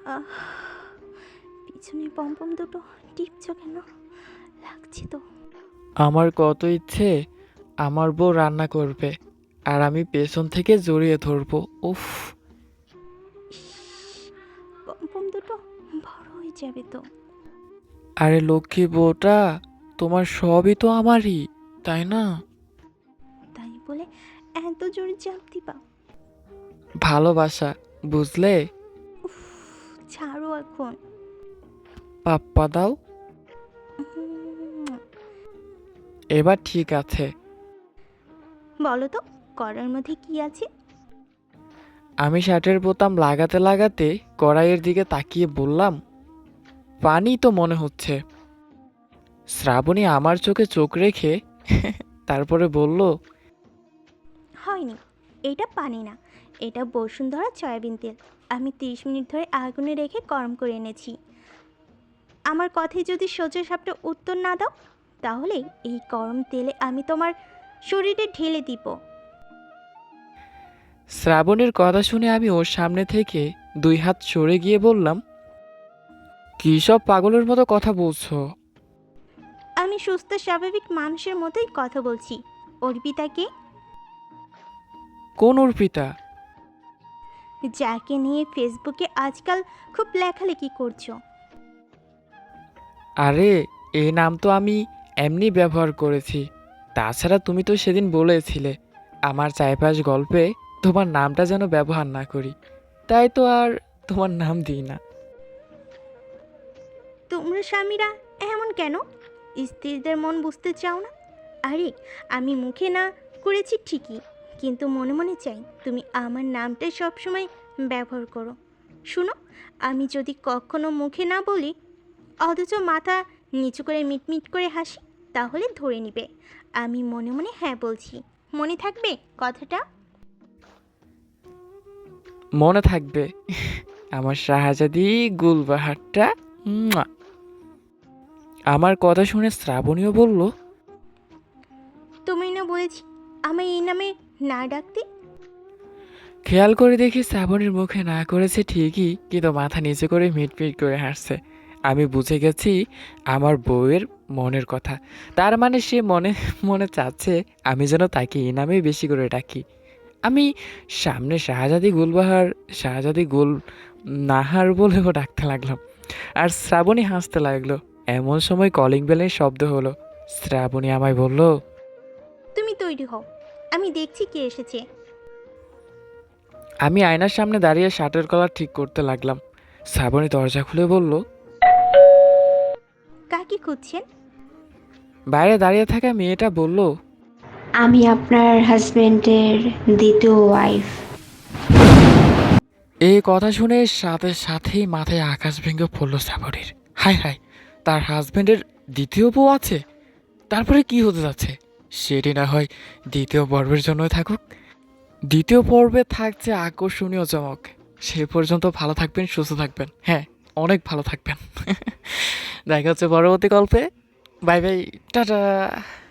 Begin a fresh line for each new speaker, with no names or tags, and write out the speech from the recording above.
আহ, পিছনে পম্পম দুটো টিপছ কেন? লাগছে তো।
আমার কত ইচ্ছে আমার বউ রান্না করবে আর আমি পেছন থেকে জড়িয়ে ধরবো। উফ।
ইস, পম্পম দুটো বড় হয়ে যাবে তো।
আরে লক্ষ্মী বউটা, তোমার সবই তো আমারই, তাই না?
তাই বলে এত জোরে চাপ দিবা?
ভালোবাসা, বুঝলে?
উফ, ছাড়ো এখন।
পাপ্পা দাও।
উম,
এবার ঠিক আছে।
বলো তো, করার মধ্যে কি আছে?
আমি শার্টের বোতাম লাগাতে লাগাতে কড়াইয়ের দিকে তাকিয়ে বললাম, পানি তো মনে হচ্ছে। শ্রাবণী আমার চোখে চোখ রেখে তারপরে বলল,
হয়নি, এটা পানি না, এটা বসুন্ধরা সয়াবিন তেল। আমি 30 মিনিট ধরে আগুনে রেখে গরম করে এনেছি। আমার কথায় যদি সোজা সাপটা উত্তর না দাও, তাহলে এই গরম তেলে আমি তোমার শরীরে ঢেলে দিব।
শ্রাবণীর কথা শুনে আমি ওর সামনে থেকে 2 হাত সরে গিয়ে বললাম, কী সব পাগলের মতো কথা বলছো?
আমি সুস্থ স্বাভাবিক মানুষের মতোই কথা বলছি। অর্পিতাকে,
কোন অর্পিতা?
যাকে নিয়ে ফেসবুকে আজকাল খুব লেখালেখি করছো।
আরে, এই নাম তো আমি এমনি ব্যবহার করেছি। তাছাড়া তুমি তো সেদিন বলেছিলে আমার চাইপাশ গল্পে তোমার নামটা যেন ব্যবহার না করি, তাই তো আর তোমার নাম দিই না।
তোমরা স্বামীরা এমন কেন? স্ত্রীদের মন বুঝতে চাও না? আরে, আমি মুখে না করেছি ঠিকই, কিন্তু মনে মনে চাই তুমি আমার নামটাই সবসময় ব্যবহার করো। শুনো, আমি যদি কখনো মুখে না বলি, অথচ মাথা নিচু করে মিটমিট করে হাসি, তাহলে ধরে নিবে আমি মনে মনে হ্যাঁ বলছি। মনে থাকবে কথাটা?
মনে থাকবে। আমার শাহজাদি গুলবাহারটা। মুয়া। আমার কথা শুনে শ্রাবণীও বলল,
তুমি না বলেছি আমায় এই নামে না ডাকতে?
খেয়াল করে দেখি শ্রাবণীর মুখে না করেছে ঠিকই, কিন্তু মাথা নিচে করে মিটমিট করে হাসছে। আমি বুঝে গেছি আমার বউয়ের মনের কথা। তার মানে সে মনে মনে চাচ্ছে আমি যেন তাকে এই নামেই বেশি করে ডাকি। আমি সামনে শাহজাদি গুলবাহার, শাহজাদি গুল নাহার বলেও ডাকতে লাগলাম। আর শ্রাবণী হাসতে লাগলো। এমন সময় কলিং বেলের শব্দ হলো। শ্রাবণী আমায় বলল,
তুমি তৈরি হও, আমি দেখছি কে এসেছে।
আমি আয়নার সামনে দাঁড়িয়ে শার্টের কলার ঠিক করতে লাগলাম। শ্রাবণী দরজা খুলে বলল,
কাকে খুঁজছেন?
বাইরে দাঁড়িয়ে থাকা মেয়েটা বলল,
আমি আপনার হাজবেন্ডের দ্বিতীয় ওয়াইফ।
এই কথা শুনে সাথে সাথেই মাথায় আকাশ ভেঙে পড়ল শ্রাবণীর। হায় হায়, তার হাজবেন্ডের দ্বিতীয় বউ আছে? তারপরে কি হতে যাচ্ছে সেটি না হয় দ্বিতীয় পর্বের জন্যই থাকুক। দ্বিতীয় পর্বে থাকছে আকর্ষণীয় চমক। সে পর্যন্ত ভালো থাকবেন, সুস্থ থাকবেন, হ্যাঁ, অনেক ভালো থাকবেন। দেখা হচ্ছে পরবর্তী গল্পে। Bye bye, tata.